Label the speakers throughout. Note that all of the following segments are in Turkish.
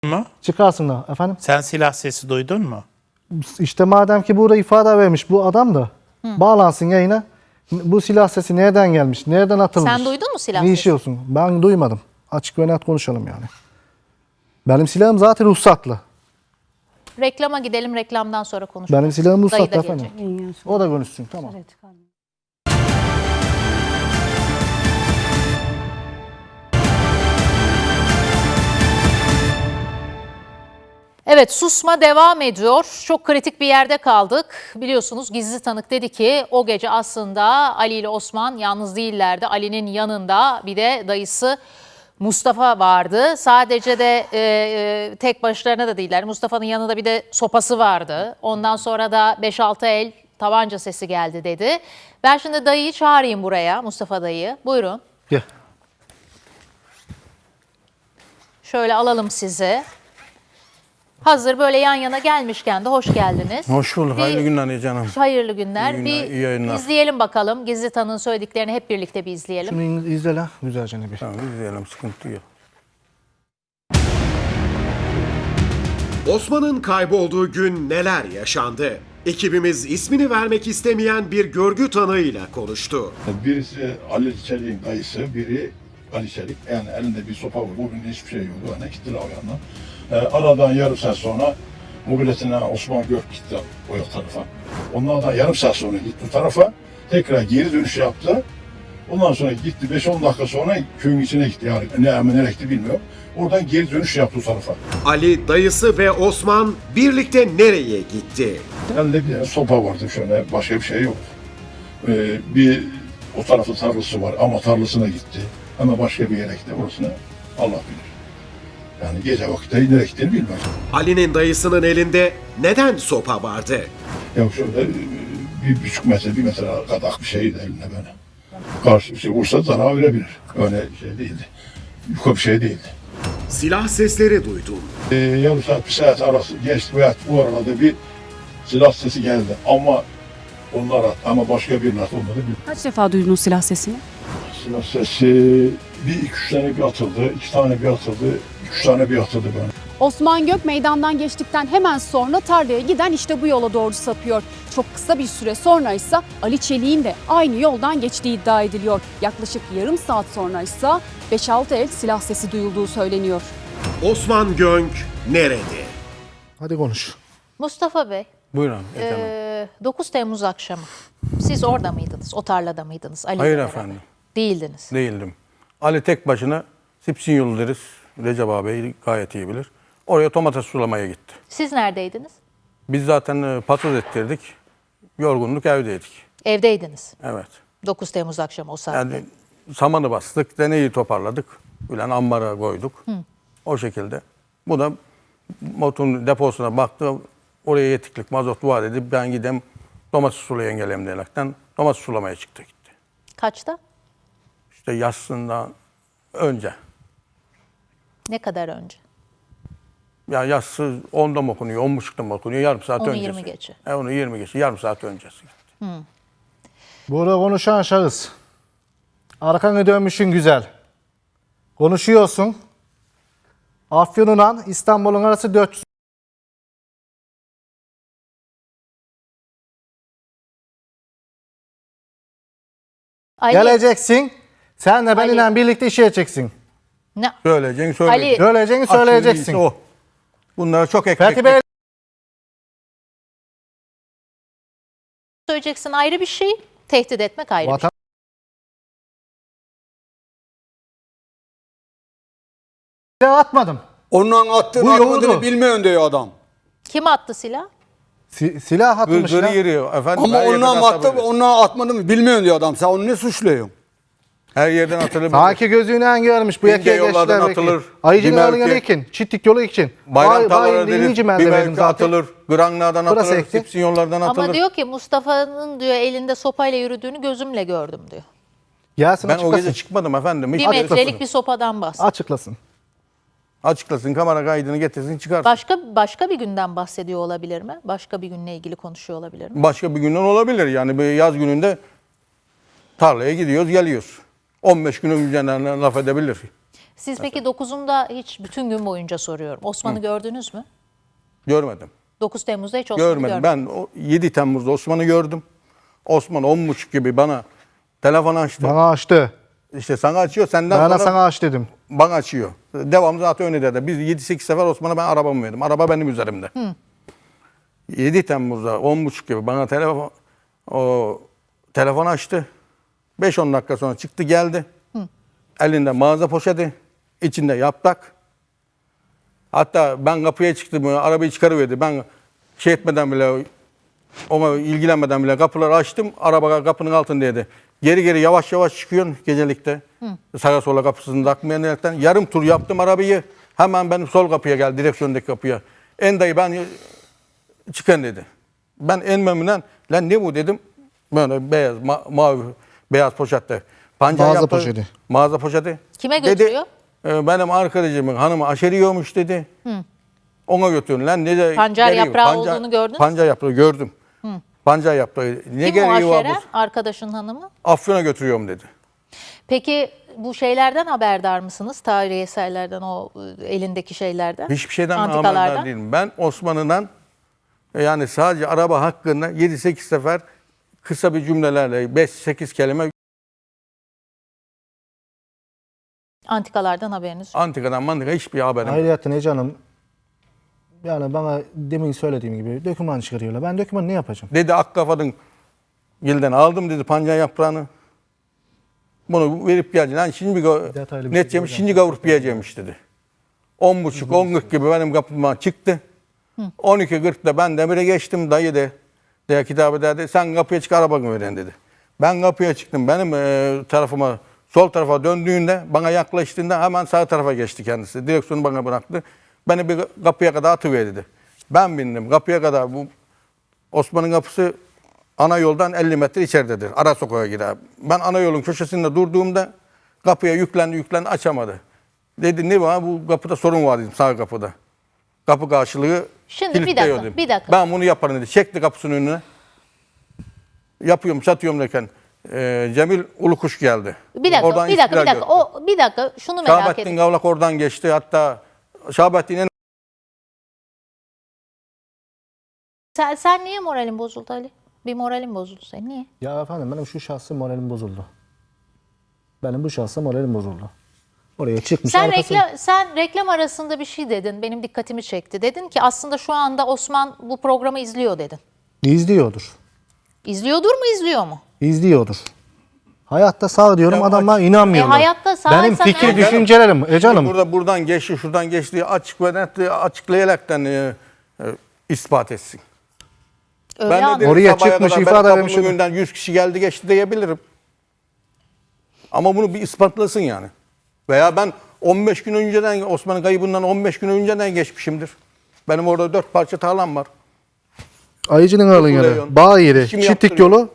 Speaker 1: mu?
Speaker 2: Çıkarsın da efendim.
Speaker 1: Sen silah sesi duydun mu?
Speaker 2: İşte madem ki burada ifade vermiş bu adam da bağlansın yayına. Bu silah sesi nereden gelmiş? Nereden atılmış?
Speaker 3: Sen duydun mu silah
Speaker 2: Ne
Speaker 3: sesi?
Speaker 2: işi olsun? Ben duymadım. Açık ve net konuşalım yani. Benim silahım zaten ruhsatlı.
Speaker 3: Reklama gidelim, reklamdan sonra konuşuruz.
Speaker 2: Benim silahım
Speaker 3: Dayı da
Speaker 2: ruhsatlı efendim.
Speaker 3: gelecek.
Speaker 2: O da konuşsun tamam.
Speaker 3: Evet, susma devam ediyor. Çok kritik bir yerde kaldık. Biliyorsunuz gizli tanık dedi ki o gece aslında Ali ile Osman yalnız değillerdi. Ali'nin yanında bir de dayısı Mustafa vardı. Sadece de tek başlarına da değiller. Mustafa'nın yanında bir de sopası vardı. Ondan sonra da 5-6 el tabanca sesi geldi dedi. Ben şimdi dayıyı çağırayım buraya, Mustafa dayı. Buyurun.
Speaker 2: Gel.
Speaker 3: Şöyle alalım sizi. Hazır böyle yan yana gelmişken de hoş geldiniz.
Speaker 4: Hoş bulduk.
Speaker 3: Bir-
Speaker 4: Hayırlı günler canım.
Speaker 3: Hayırlı günler.
Speaker 4: İyi günler, iyi yayınlar.
Speaker 3: İzleyelim bakalım. Gizli tanığın söylediklerini hep birlikte bir izleyelim.
Speaker 2: Şunu izle la güzelce bir.
Speaker 4: Tamam izleyelim, sıkıntı yok.
Speaker 5: Osman'ın kaybolduğu gün neler yaşandı? Ekibimiz ismini vermek istemeyen bir görgü tanığıyla konuştu.
Speaker 6: Birisi Ali Çelik'in dayısı, biri Ali Çelik. Yani elinde bir sopa var. Bugün hiçbir şey yok. Yani gittiler o yandan. Aradan yarım saat sonra mobiletine Osman Gök gitti o tarafa. Onlardan yarım saat sonra gitti o tarafa. Tekrar geri dönüş yaptı. Ondan sonra gitti 5-10 dakika sonra köyün içine gitti. Yani nereye gitti bilmiyorum. Oradan geri dönüş yaptı o tarafa.
Speaker 5: Ali, dayısı ve Osman birlikte nereye gitti?
Speaker 6: Elde bir sopa vardı şöyle. Başka bir şey yok. Bir o tarafta tarlası var ama tarlasına gitti. Ama başka bir yere gitti. Orasını Allah bilir. Yani gece vakti nereye gittiğini bilmem.
Speaker 5: Ali'nin dayısının elinde neden sopa vardı?
Speaker 6: Ya şöyle 1,5 metre, 1 metre kadar bir şeydi elinde böyle. Karşı bir şey vursa zarar verebilir. Öyle şey değildi. Yukarı bir şey değildi.
Speaker 5: Silah sesleri duydum.
Speaker 6: Yarım saat, bir saat arası geçti veya bu arada bir silah sesi geldi. Ama onlar attı ama başka birinin attı olmadı.
Speaker 7: Kaç defa duydunuz silah sesini?
Speaker 6: Silah sesi bir iki üç tane bir atıldı, 2 tane bir atıldı, 3 tane bir atıldı böyle.
Speaker 7: Osman Gök meydandan geçtikten hemen sonra tarlaya giden işte bu yola doğru sapıyor. Çok kısa bir süre sonra ise Ali Çelik'in de aynı yoldan geçtiği iddia ediliyor. Yaklaşık yarım saat sonra ise 5-6 el silah sesi duyulduğu söyleniyor.
Speaker 5: Osman Gönk nerede?
Speaker 2: Hadi konuş.
Speaker 3: Mustafa Bey,
Speaker 4: Buyurun. Canım.
Speaker 3: 9 Temmuz akşamı siz orada mıydınız? O tarlada mıydınız? Ali ile
Speaker 4: Hayır
Speaker 3: beraber?
Speaker 4: efendim.
Speaker 3: Değildiniz.
Speaker 4: Değildim. Ali tek başına Sipsin yolu deriz. Recep abi gayet iyi bilir. Oraya domates sulamaya gitti.
Speaker 3: Siz neredeydiniz?
Speaker 4: Biz zaten patates ettirdik. Yorgunluk evdeydik.
Speaker 3: Evdeydiniz.
Speaker 4: Evet.
Speaker 3: 9 Temmuz akşamı o saatte.
Speaker 4: Yani samanı bastık, deneyi toparladık. Ulan ambara koyduk. O şekilde. Bu da motorun deposuna baktı. Oraya yetiklik mazot var dedi. Ben gidem domates sulayan gelem diyerekten domates sulamaya çıktı gitti.
Speaker 3: Kaçta?
Speaker 4: İşte yatsından önce.
Speaker 3: Ne kadar önce?
Speaker 4: Ya yatsı 10'da mı okunuyor, 10.30'da mı okunuyor, yarım saat
Speaker 3: Onu
Speaker 4: öncesi.
Speaker 3: 20 geçe.
Speaker 4: Onu 20 geçe, yarım saat öncesi.
Speaker 2: Burada konuşan şahıs. Arkanı dönmüşün güzel. Konuşuyorsun. Afyon'la İstanbul'un arası 400.
Speaker 3: Ali,
Speaker 2: Geleceksin. Sen de benimle
Speaker 3: Ali.
Speaker 2: birlikte işe edeceksin.
Speaker 3: ne?
Speaker 4: Söyleyeceksin, söyleyeceksin.
Speaker 3: Ali.
Speaker 2: Söyleyeceğini
Speaker 4: Aksiyonu
Speaker 2: söyleyeceksin.
Speaker 4: iyisi o. Bunlara çok ekmek.
Speaker 2: Fethi Bey
Speaker 3: Söyleyeceksin ayrı bir şey, tehdit etmek ayrı bir şey.
Speaker 2: vatan silah atmadım.
Speaker 8: Onun attığını
Speaker 2: Bu
Speaker 8: atmadığını
Speaker 2: yoğurdu.
Speaker 8: bilmiyorsun diyor adam.
Speaker 3: Kim attı silah?
Speaker 2: Silah atılmış
Speaker 4: Gırgırı
Speaker 2: ya.
Speaker 4: yürüyor. Efendim,
Speaker 8: Ama
Speaker 4: her yerden
Speaker 8: onunla attı,
Speaker 4: atabilir.
Speaker 8: onunla atmadığını bilmiyorsun diyor adam. Sen onu ne suçluyorsun?
Speaker 4: Her yerden atılır.
Speaker 2: Sanki gözüyle görmüş bu
Speaker 4: İnce
Speaker 2: yakaya
Speaker 4: yollardan
Speaker 2: geçtiler belki.
Speaker 4: atılır.
Speaker 2: Ayıcı'nın
Speaker 4: Bir
Speaker 2: alın
Speaker 4: mevki-
Speaker 2: için. Çitlik yolu için.
Speaker 4: Bayram tarlaları
Speaker 2: İninci
Speaker 4: denir.
Speaker 2: ben de
Speaker 4: Bir
Speaker 2: verdim
Speaker 4: mevki
Speaker 2: zaten.
Speaker 4: atılır. Granlardan
Speaker 2: Burası
Speaker 4: atılır.
Speaker 2: ekti.
Speaker 4: Sipsin yollardan atılır.
Speaker 3: Ama diyor ki Mustafa'nın diyor elinde sopayla yürüdüğünü gözümle gördüm diyor.
Speaker 2: Gelsin
Speaker 4: Ben o
Speaker 2: açıklasın.
Speaker 4: gece çıkmadım efendim. Hiç
Speaker 3: Bir metrelik
Speaker 4: açıklasın.
Speaker 3: bir sopadan bahsediyor.
Speaker 2: Açıklasın.
Speaker 4: Açıklasın, kamera kaydını getirsin, çıkarsın.
Speaker 3: Başka bir günden bahsediyor olabilir mi? Başka bir günle ilgili konuşuyor olabilir mi?
Speaker 4: Başka bir günden olabilir. Yani bir yaz gününde tarlaya gidiyoruz, geliyoruz. 15 günün üzerinden laf edebilir.
Speaker 3: Siz peki 9'unda hiç bütün gün boyunca soruyorum. Osman'ı gördünüz mü?
Speaker 4: Görmedim.
Speaker 3: 9 Temmuz'da hiç Osman'ı
Speaker 4: Görmedim.
Speaker 3: görmedim.
Speaker 4: Ben 7 Temmuz'da Osman'ı gördüm. Osman 10.30 gibi bana telefon açtı.
Speaker 2: Bana açtı.
Speaker 4: İşte sana açıyor, senden
Speaker 2: Bana
Speaker 4: sonra
Speaker 2: sana aç dedim.
Speaker 4: bana açıyor. Devamlı zaten öyle dedi. Biz 7-8 sefer Osman'a ben arabamı verdim. Araba benim üzerimde. 7 Temmuz'da 10.30 gibi bana telefon açtı. 5-10 dakika sonra çıktı geldi. Elinde mağaza poşeti, içinde yaprak. Hatta ben kapıya çıktım, arabayı çıkarıverdi. Ben şey etmeden bile, ona ilgilenmeden bile kapıları açtım. Araba kapının altındaydı. Geri geri yavaş yavaş çıkıyorsun gecelikte. Sağa sola kapısını takmayaraktan. Yarım tur yaptım arabayı. Hemen benim sol kapıya geldi, direksiyondaki kapıya. En dayı ben çıkın dedi. Ben en memnun, lan ne bu dedim. Böyle beyaz, mavi, beyaz poşette. Pancar
Speaker 2: Mağaza
Speaker 4: yaptı.
Speaker 2: poşeti.
Speaker 4: Mağaza poşeti.
Speaker 3: Kime
Speaker 4: Dedi,
Speaker 3: götürüyor?
Speaker 4: benim arkadaşımın hanımı aşeriyormuş dedi. Ona götürün lan. Ne de
Speaker 3: Pancar
Speaker 4: gereği var?
Speaker 3: yaprağı olduğunu gördünüz mü?
Speaker 4: Pancar yaprağı gördüm. Pancar yaprağı. Ne
Speaker 3: Kim o
Speaker 4: gereği var
Speaker 3: aşeren?
Speaker 4: bu?
Speaker 3: Arkadaşın hanımı.
Speaker 4: Afyon'a götürüyorum dedi.
Speaker 3: Peki bu şeylerden haberdar mısınız? Tarihi eserlerden, o elindeki şeylerden?
Speaker 4: Hiçbir şeyden
Speaker 3: Antikalardan.
Speaker 4: haberdar değilim. Ben Osmanlı'dan yani sadece araba hakkında 7-8 sefer kısa bir cümlelerle 5-8 kelime
Speaker 3: Antikalardan haberiniz yok.
Speaker 4: antikadan mantıka hiçbir haberim yok.
Speaker 2: Ayrıca ne canım, yani bana demin söylediğim gibi döküman çıkarıyorlar. Ben dökümanı ne yapacağım?
Speaker 4: Dedi Akkafa'nın gilden aldım dedi pancar yaprağını. Bunu verip geleceğim. Yani şimdi
Speaker 2: Detaylı bir şey
Speaker 4: netçemiş şimdi kavurup yiyeceğimiş dedi. 10.30 10.40 gibi benim kapıma çıktı. 12.40'da ben demire geçtim dayı de kitap ederdi. Sen kapıya çık arabanı veren dedi. Ben kapıya çıktım. Benim tarafıma sol tarafa döndüğünde bana yaklaştığında hemen sağ tarafa geçti kendisi. Direksiyonu bana bıraktı. Beni bir kapıya kadar atıver dedi. Ben bindim kapıya kadar. Bu Osman'ın kapısı ana yoldan 50 metre içeridedir. Ara sokağa girer. Ben ana yolun köşesinde durduğumda kapıya yüklendi açamadı. Dedi ne var bu kapıda sorun var dedim sağ kapıda. Kapı karşılığı
Speaker 3: Şimdi
Speaker 4: kilitliyor
Speaker 3: bir
Speaker 4: dedim.
Speaker 3: dakika.
Speaker 4: Ben bunu yaparım dedi. Çekti kapısının önüne. Yapıyorum satıyorum derken Cemil Ulukuş geldi.
Speaker 3: Bir dakika,
Speaker 4: Oradan
Speaker 3: bir dakika,
Speaker 4: istiklal
Speaker 3: bir dakika.
Speaker 4: gördü.
Speaker 3: Bir dakika, şunu merak
Speaker 4: Şahabettin
Speaker 3: ediyorum.
Speaker 4: Gavlak oradan geçti. Hatta Şahabettin'in
Speaker 3: Sen niye moralin bozuldu Ali? Bir moralin bozuldu senin. Niye?
Speaker 2: Ya efendim benim şu şahsı moralim bozuldu. Benim bu şahsa moralim bozuldu. Oraya çıkmış
Speaker 3: Sen reklam arasında bir şey dedin. Benim dikkatimi çekti. Dedin ki aslında şu anda Osman bu programı izliyor dedin.
Speaker 2: İzliyordur.
Speaker 3: İzliyordur mu, izliyor mu?
Speaker 2: İzliyordur. Hayatta sağ diyorum
Speaker 4: Ya
Speaker 2: adamlar inanmıyorlar.
Speaker 3: hayatta sağ
Speaker 2: Benim
Speaker 3: insan
Speaker 2: fikir
Speaker 3: eğer-
Speaker 2: düşüncelerim. Canım.
Speaker 4: buradan geçti, şuradan geçti açık ve net açıklayaraktan ispat etsin.
Speaker 3: Öyle
Speaker 4: Ben de
Speaker 3: anladım.
Speaker 4: dedim,
Speaker 2: Oraya
Speaker 4: sabaha
Speaker 2: çıkmış,
Speaker 4: kadar
Speaker 2: ifade
Speaker 4: benim
Speaker 2: vermiş
Speaker 4: kapımın
Speaker 2: adam.
Speaker 4: önünden 100 kişi geldi geçti diyebilirim. Ama bunu bir ispatlasın yani. Veya ben 15 gün önceden Osman'ın kaybından 15 gün önceden geçmişimdir. Benim orada 4 parça tarlam var.
Speaker 2: Ayıcı'nın alın yeri.
Speaker 4: Kuleyon.
Speaker 2: Bağ yeri.
Speaker 4: İşimi
Speaker 2: Çitlik
Speaker 4: yaptırıyorum.
Speaker 2: yolu.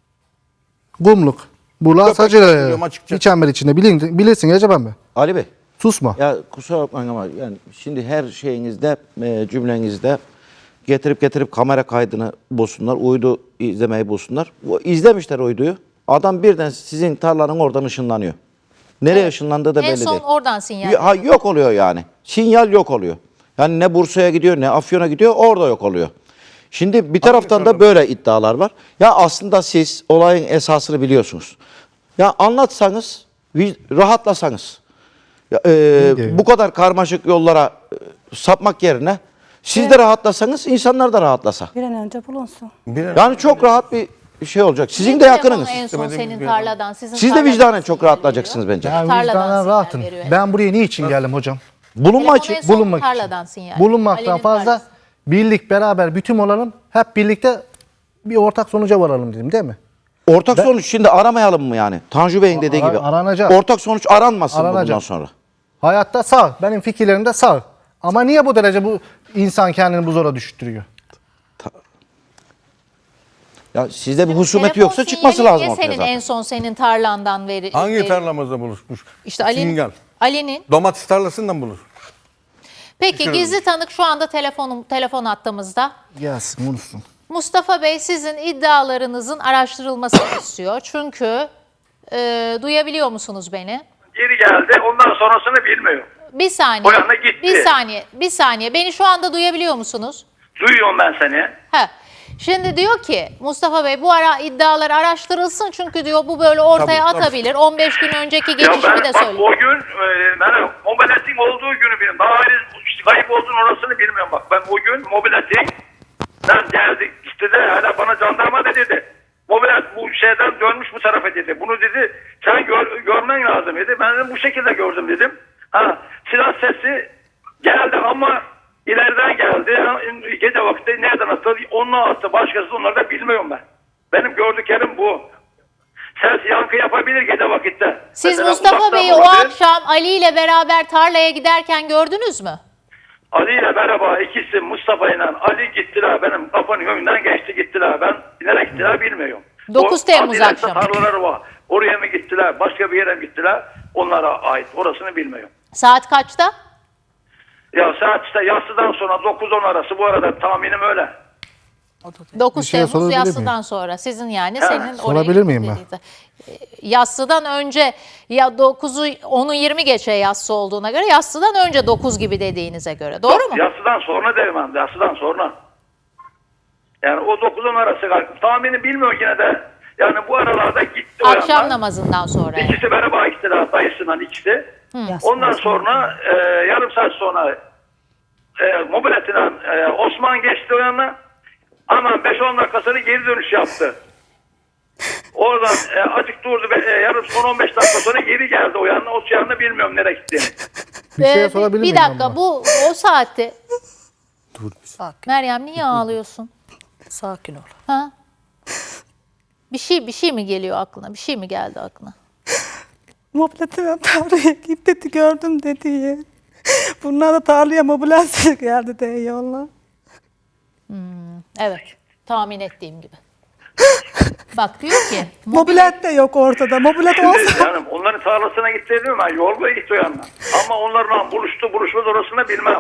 Speaker 2: Gumluk. Bula
Speaker 4: Köpek
Speaker 2: Sacı
Speaker 4: yaptırıyorum açıkça.
Speaker 2: bir çember içinde. Bilirsin Recep abi.
Speaker 9: Ali Bey,
Speaker 2: Susma.
Speaker 9: ya kusura bakmayın ama yani şimdi her şeyinizde, cümlenizde getirip kamera kaydını bulsunlar, uydu izlemeyi bulsunlar. İzlemişler uyduyu. Adam birden sizin tarlanın oradan ışınlanıyor. Nereye ışınlandığı da belli
Speaker 3: En son
Speaker 9: değil.
Speaker 3: oradan sinyal.
Speaker 9: Yok oluyor yani. Sinyal yok oluyor. Yani ne Bursa'ya gidiyor ne Afyon'a gidiyor orada yok oluyor. Şimdi bir taraftan da böyle iddialar var. Ya aslında siz olayın esasını biliyorsunuz. Ya anlatsanız, rahatlasanız. Ya, bu kadar karmaşık yollara sapmak yerine siz de rahatlasanız insanlar da rahatlasa.
Speaker 10: Bir an önce bulunsun.
Speaker 9: Yani çok rahat bir şey olacak. Sizin
Speaker 3: Bir
Speaker 9: de
Speaker 3: telefonu
Speaker 9: yakınınız.
Speaker 3: En son
Speaker 4: İstemediğim
Speaker 3: senin
Speaker 4: bir
Speaker 3: tarladan. Sizin
Speaker 9: Siz de
Speaker 3: tarladan
Speaker 9: vicdanen çok
Speaker 3: sinyal
Speaker 9: rahatlayacaksınız
Speaker 3: veriyor.
Speaker 9: bence.
Speaker 2: Ben
Speaker 3: Tarladan
Speaker 2: vicdanen
Speaker 3: sinyal
Speaker 2: rahatım.
Speaker 3: veriyor.
Speaker 2: Ben buraya niçin geldim hocam?
Speaker 9: Bulunma
Speaker 3: Telefonu
Speaker 9: için.
Speaker 3: en son
Speaker 2: Bulunmak için.
Speaker 3: tarladan sinyal.
Speaker 2: Bulunmaktan
Speaker 3: Ali'nin
Speaker 2: fazla
Speaker 3: tarlası.
Speaker 2: birlik beraber bütün olalım. Hep birlikte bir ortak sonuca varalım dedim değil mi?
Speaker 9: Ortak sonuç şimdi aramayalım mı yani? Tanju Bey'in dediği gibi.
Speaker 2: Aranacak.
Speaker 9: Ortak sonuç aranmasın mı
Speaker 2: Aranacak.
Speaker 9: bundan sonra?
Speaker 2: Hayatta sağ. Benim fikirlerim de sağ. Ama niye bu derece bu insan kendini bu zora düşürtüyor?
Speaker 9: Ya sizde bir husumet
Speaker 3: Telefon
Speaker 9: yoksa çıkması
Speaker 3: sinyali
Speaker 9: lazım
Speaker 3: niye
Speaker 9: ortaya
Speaker 3: senin
Speaker 9: zaten.
Speaker 3: en son senin tarlandan
Speaker 4: Hangi tarlamızda buluşmuş?
Speaker 3: İşte Ali'nin.
Speaker 4: Sinyal.
Speaker 3: Ali'nin.
Speaker 4: Domates tarlasından bulur.
Speaker 3: Peki gizli tanık şu anda telefon hattımızda.
Speaker 2: Gelsin konuşsun.
Speaker 3: Mustafa Bey sizin iddialarınızın araştırılmasını istiyor. Çünkü duyabiliyor musunuz beni?
Speaker 10: geri geldi. Ondan sonrasını bilmiyorum.
Speaker 3: Bir saniye.
Speaker 10: O yana gitti.
Speaker 3: Bir saniye. Beni şu anda duyabiliyor musunuz?
Speaker 10: Duyuyorum ben seni.
Speaker 3: Ha. Şimdi diyor ki Mustafa Bey bu ara iddialar araştırılsın çünkü diyor bu böyle ortaya
Speaker 4: Tabii.
Speaker 3: atabilir. 15 gün önceki
Speaker 10: Ya
Speaker 3: geçişimi
Speaker 10: ben
Speaker 3: de
Speaker 10: bak
Speaker 3: söyleyeyim.
Speaker 10: o gün ben mobiletin olduğu günü bilmiyorum. Daha henüz kayıp olduğunu orasını bilmiyorum bak. Ben o gün mobiletten geldik. İşte de hala bana jandarma da dedi. Mobilet bu şeyden dönmüş bu tarafa dedi. Bunu dedi sen görmen lazım dedi. Ben de bu şekilde gördüm dedim. Ha, silah sesi geldi ama ileriden geldi. Gece vakti nereden attı? Onunla attı. Başkası onları da bilmiyorum ben. Benim gördüklerim bu. Ses yankı yapabilir gece vakitte.
Speaker 3: Siz
Speaker 10: Mesela
Speaker 3: Mustafa
Speaker 10: uzaktan
Speaker 3: Bey'i o
Speaker 10: olabilir.
Speaker 3: akşam Ali ile beraber tarlaya giderken gördünüz mü?
Speaker 10: Ali ile beraber ikisi Mustafa ile Ali gittiler. Benim kapının önünden geçti gittiler. Ben nereye gittiler bilmiyorum.
Speaker 3: 9
Speaker 10: O
Speaker 3: Temmuz
Speaker 10: Adile'de
Speaker 3: akşamı.
Speaker 10: tarlaları var. Oraya mı gittiler? Başka bir yere mi gittiler? Onlara ait. Orasını bilmiyorum.
Speaker 3: Saat kaçta?
Speaker 10: Ya saat işte yatsıdan sonra 9-10 arası bu arada tahminim öyle.
Speaker 3: 9
Speaker 2: Bir şey
Speaker 3: Temmuz
Speaker 2: sorabilir
Speaker 3: yassıdan
Speaker 2: miyim?
Speaker 3: sonra sizin yani senin oraya
Speaker 2: Sorabilir miyim ben?
Speaker 3: gittiğinizde. Yassıdan önce ya 9'u 10'u 20 geçe yassı olduğuna göre yassıdan önce 9 gibi dediğinize göre doğru mu?
Speaker 10: Yatsıdan sonra derim ben. Yatsıdan sonra. Yani o 9-10 arası galiba. Tahmini bilmiyorum yine de. Yani bu aralarda gitti o
Speaker 3: Akşam
Speaker 10: yandan.
Speaker 3: namazından sonra. Yani.
Speaker 10: İkisi beraber gittiler. Dayısından ikisi. Ondan sonra yarım saat sonra mobiletinden Osman geçti o yana. Ama 5-10 dakikasını geri dönüş yaptı. Oradan azıcık durdu. Yarım son 15 dakika sonra geri geldi o yana. O yanına bilmiyorum nereye gittiğini.
Speaker 2: Bir şey sorabilir miyim?
Speaker 3: Bir dakika
Speaker 2: abla?
Speaker 3: bu o saatte. Meryem niye ağlıyorsun?
Speaker 1: Sakin ol.
Speaker 3: Ha? Bir şey mi geliyor aklına? Bir şey mi geldi aklına?
Speaker 1: Mobiletten tarlaya git dedi gördüm dedi. Bunlar da tarlaya mobilet geldi de yolla.
Speaker 3: Evet. Tahmin ettiğim gibi. Bak diyor ki
Speaker 1: Mobilet de yok ortada. Mobilet olsa
Speaker 10: Yani onların tarlasına gitti diyorum ben. Yol boyu gitti o yandan. Ama onlarla buluşmaz orasını bilmem.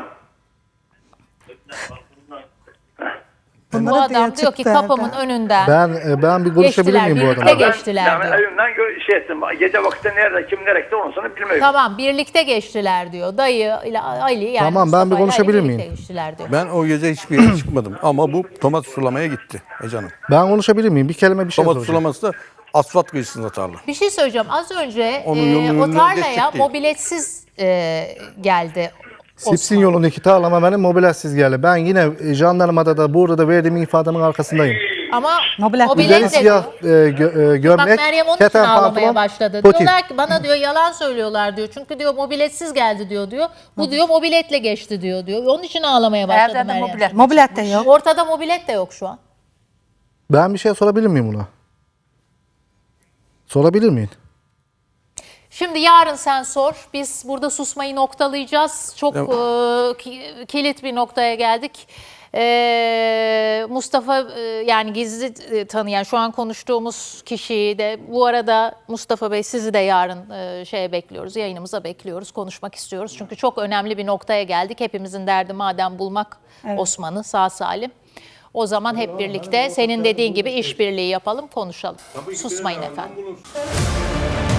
Speaker 3: bu
Speaker 1: bunlara diye
Speaker 3: adam diyor ki
Speaker 1: çıktı
Speaker 3: kapımın
Speaker 1: evden.
Speaker 3: önünden
Speaker 2: Ben bir konuşabilir
Speaker 3: geçtiler,
Speaker 2: miyim bu
Speaker 3: birlikte
Speaker 2: adamla?
Speaker 3: geçtiler
Speaker 10: Yani
Speaker 3: diyor.
Speaker 10: evimden şey ettim. Gece vakti nerede kim nereye gitti orasını bilmiyorum.
Speaker 3: Tamam birlikte geçtiler diyor. Dayı ile Ali yani
Speaker 2: Tamam, ben
Speaker 3: Mustafa
Speaker 2: bir
Speaker 3: ile Ali
Speaker 2: konuşabilir
Speaker 3: birlikte
Speaker 2: miyim?
Speaker 3: geçtiler diyor.
Speaker 4: Ben o gece hiçbir yere çıkmadım ama bu domates sulamaya gitti Ece
Speaker 2: Ben konuşabilir miyim? Bir kelime bir şey
Speaker 4: Domates
Speaker 2: soracağım.
Speaker 4: sulaması da asfalt kıyısında tarla.
Speaker 3: Bir şey söyleyeceğim. Az önce
Speaker 4: Onun yolunu
Speaker 3: o tarlaya
Speaker 4: geçecek değil.
Speaker 3: mobiletsiz geldi.
Speaker 2: Sipsin yolundaki tarlama benim mobiletsiz geldi. Ben yine jandarmada da burada da verdiğim ifademin arkasındayım.
Speaker 3: Ama
Speaker 1: Mobilet
Speaker 3: mobilet
Speaker 2: Üzeri
Speaker 3: de
Speaker 2: siyah
Speaker 3: Bak
Speaker 2: gömlek,
Speaker 3: Meryem onun için
Speaker 2: keten
Speaker 3: ağlamaya
Speaker 2: pantolon,
Speaker 3: başladı.
Speaker 2: potin.
Speaker 3: Diyorlar ki bana diyor yalan söylüyorlar diyor. Çünkü diyor mobiletsiz geldi diyor. Bu diyor mobiletle geçti diyor. Onun için ağlamaya başladı Meryem.
Speaker 1: Mobilet de yok.
Speaker 3: Ortada mobilet de yok şu an.
Speaker 2: Ben bir şey sorabilir miyim buna? Sorabilir miyim?
Speaker 3: Şimdi yarın sen sor. Biz burada susmayı noktalayacağız. Çok kilit bir noktaya geldik. Mustafa yani gizli tanıyan şu an konuştuğumuz kişiyi de bu arada Mustafa Bey sizi de yarın şeye bekliyoruz. Yayınımıza bekliyoruz. Konuşmak istiyoruz. Çünkü çok önemli bir noktaya geldik. Hepimizin derdi madem bulmak Osman'ı sağ salim. O zaman hep birlikte senin dediğin gibi işbirliği yapalım, konuşalım. Susmayın efendim.